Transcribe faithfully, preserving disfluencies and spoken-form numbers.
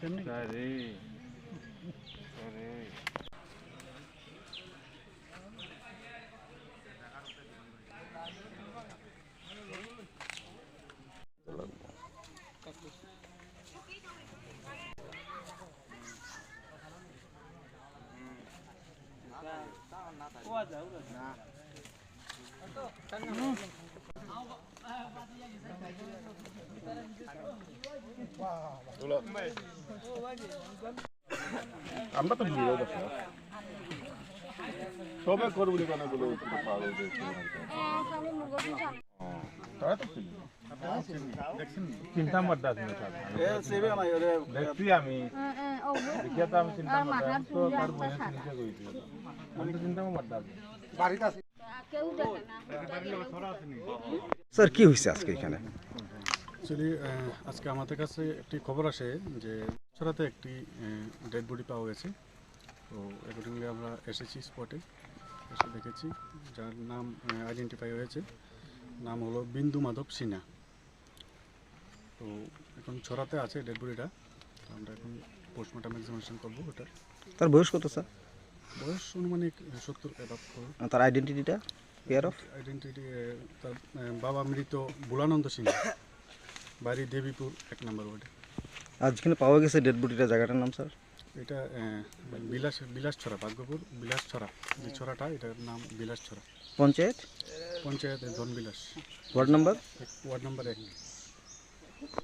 আমরা তো ভিড়ও দেখো সবে করবি কেন বলে তারা তো চিন্তা মারতে আছে দেখছি আমি দেখিয়া তো আমি চিন্তা মারতে তো তার বলে চিন্তা করেছি আমি তো চিন্তা মারতে আছি বাড়িতে আছি স্যার কি হয়েছে আজকে এখানে? অ্যাকচুয়ালি আজকে আমাদের কাছে একটি খবর আসে যে ছড়াতে একটি ডেড বডি পাওয়া গেছে। তো অ্যাকর্ডিংলি আমরা এসেছি স্পটে, এসে দেখেছি যার নাম আইডেন্টিফাই হয়েছে, নাম হলো বিন্দু মাধব সিনহা। তো এখন ছড়াতে আছে ডেড বডিটা, আমরা এখন পোস্টমর্টম এক্সামিনেশন করবো। ওটা তার বয়স কত স্যার? বয়স অনুমানিক সত্তর অ্যাবাভ। তার আইডেন্টিটিটা পেয়ার অফ আইডেন্টিটি তার বাবা মৃত বুলানন্দ সিনহা, বাড়ি দেবীপুর এক নম্বর ওয়ার্ডে। আর যেখানে পাওয়া গেছে ডেড বডিটা, জায়গাটার নাম স্যার? এটা বিলাস বিলাস ছড়া, ভাগ্যপুর বিলাস ছড়া, যে ছড়াটা এটার নাম Bilas Chhara. Panchayat panchayat Dhanbilas, ward number ward number এক।